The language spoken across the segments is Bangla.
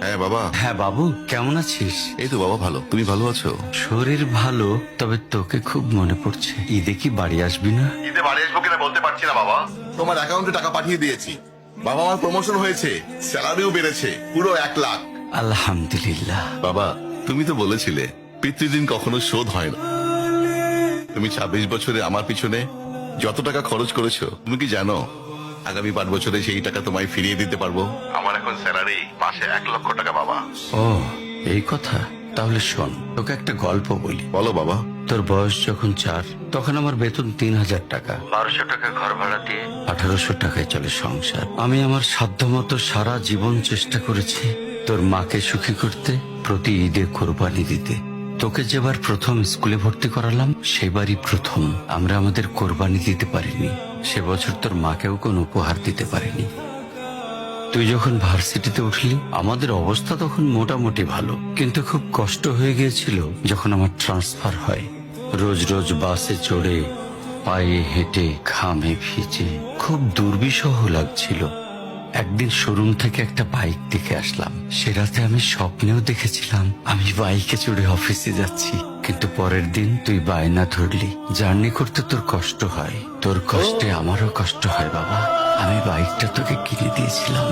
হ্যাঁ বাবা। হ্যাঁ বাবু, কেমন আছিস? এই তো বাবা ভালো, তুমি ভালো আছো? শরীর ভালো, তবে তোকে খুব মনে পড়ছে। ঈদে কি বাড়ি আসবি না? ঈদে বাড়ি আসবো কিনা বলতে পারছি না বাবা। তোমার অ্যাকাউন্টে টাকা পাঠিয়ে দিয়েছি বাবা, আমার প্রমোশন হয়েছে, স্যালারিও বেড়েছে, পুরো 1 লাখ। আলহামদুলিল্লাহ। বাবা তুমি তো বলেছিলে পিতৃদিন কখনো শোধ হয় না। তুমি 26 বছরে আমার পিছনে যত টাকা খরচ করেছো, তুমি কি জানো আগামী 5 বছরে সেই টাকা তোমায় ফিরিয়ে দিতে পারবো। আমার এখন স্যালারি মাসে 1 লক্ষ টাকা বাবা। ও, এই কথা। তাহলে শোন, তোকে একটা গল্প বলি। বলো বাবা। তোর বয়স যখন 4, তখন আমার বেতন 3000 টাকা। 1200 টাকা ঘর ভাড়া দিয়ে 1800 টাকায় চলে সংসার। আমি আমার সাধ্যমতো সারা জীবন চেষ্টা করেছি তোর মাকে সুখী করতে, প্রতি ঈদে কোরবানি দিতে। তোকে যেবার প্রথম স্কুলে ভর্তি করালাম, সেবারই প্রথম আমরা আমাদের কোরবানি দিতে পারিনি। সে বছর তোর মাকেও কোনো উপহার দিতে পারিনি। তুই যখন ভার্সিটিতে উঠলি, আমাদের অবস্থা তখন মোটামুটি ভালো, কিন্তু খুব কষ্ট হয়ে গিয়েছিল যখন আমার ট্রান্সফার হয়। রোজ রোজ বাসে চড়ে, পায়ে হেঁটে, ঘামে ভিজে খুব দুর্বিষহ লাগছিল। একদিন শোরুম থেকে একটা বাইক দেখে আসলাম। সে রাতে আমি স্বপ্নেও দেখেছিলাম আমি বাইকে চড়ে অফিসে যাচ্ছি। কিন্তু পরের দিন তুই বায়না ধরলি, জার্নি করতে তোর কষ্ট হয়। তোর কষ্টে আমারও কষ্ট হয় বাবা। আমি বাইকটা তোকে কিনে দিয়েছিলাম।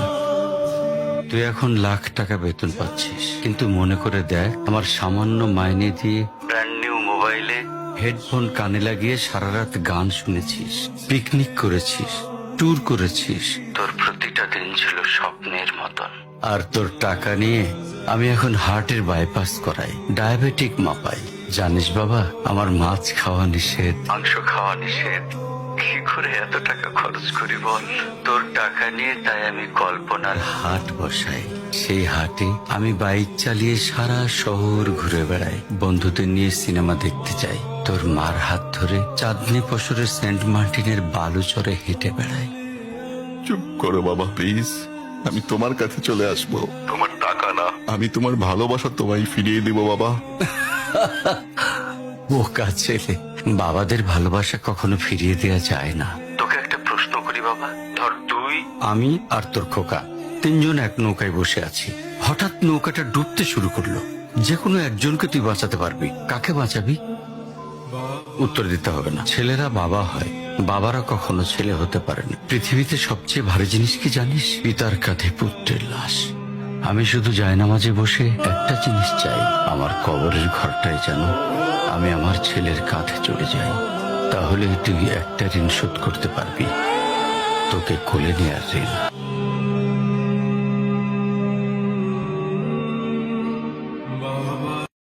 তুই এখন লাখ টাকা বেতন পাচ্ছিস, কিন্তু মনে করে দেখ, আমার সামান্য মাইনে দিয়ে ব্র্যান্ড নিউ মোবাইলে হেডফোন কানে লাগিয়ে সারা রাত গান শুনেছিস, পিকনিক করেছিস, ট্যুর করেছিস। তোর প্রতিটা দিন ছিল স্বপ্নের মতন। আর তোর টাকা নিয়ে আমি এখন হার্টের বাইপাস করাই, ডায়াবেটিক মাপাই। জানিস বাবা, আমার মাছ খাওয়া নিষেধ, মাংস খাওয়া নিষেধ। কি করে এত টাকা খরচ করি বল? তোর টাকা নিয়ে তাই আমি কল্পনার হাট বসাই। সেই হাটে আমি বাইক চালিয়ে সারা শহর ঘুরে বেড়াই, বন্ধুদের নিয়ে সিনেমা দেখতে যাই, তোর মার হাত ধরে চাঁদনি পশরের সেন্ট মার্টিনের বালুচরে হেঁটে বেড়াই। চুপ করো বাবা প্লিজ, আমি তোমার কাছে চলে আসবো। তোমার টাকা না, আমি তোমার ভালোবাসা তোমায় ফিরিয়ে দিব বাবা। বোকা ছেলে, বাবাদের ভালোবাসা কখনো ফিরিয়ে দেওয়া যায় না। তোকে একটা প্রশ্ন করি বাবা, ধর তুই, আমি আর তোর খোকা তিনজন এক নৌকায় বসে আছি। হঠাৎ নৌকাটা ডুবতে শুরু করলো। যে কোনো একজনকে তুই বাঁচাতে পারবি, কাকে বাঁচাবি? উত্তর দিতে হবে না। ছেলেরা বাবা হয়, বাবারা কখনো ছেলে হতে পারেনি। পৃথিবীতে সবচেয়ে ভারী জিনিস কি জানিস? পিতার কাঁধে পুত্রের লাশ। আমি শুধু জায়নামাজে বসে একটা জিনিস চাই, আমার কবরের ঘরটায় যেন আমি আমার ছেলের কাঁধে চলে যাই। তাহলে তুই একটা ঋণ শোধ করতে পারবি, তোকে কোলে নেয়ার ঋণ।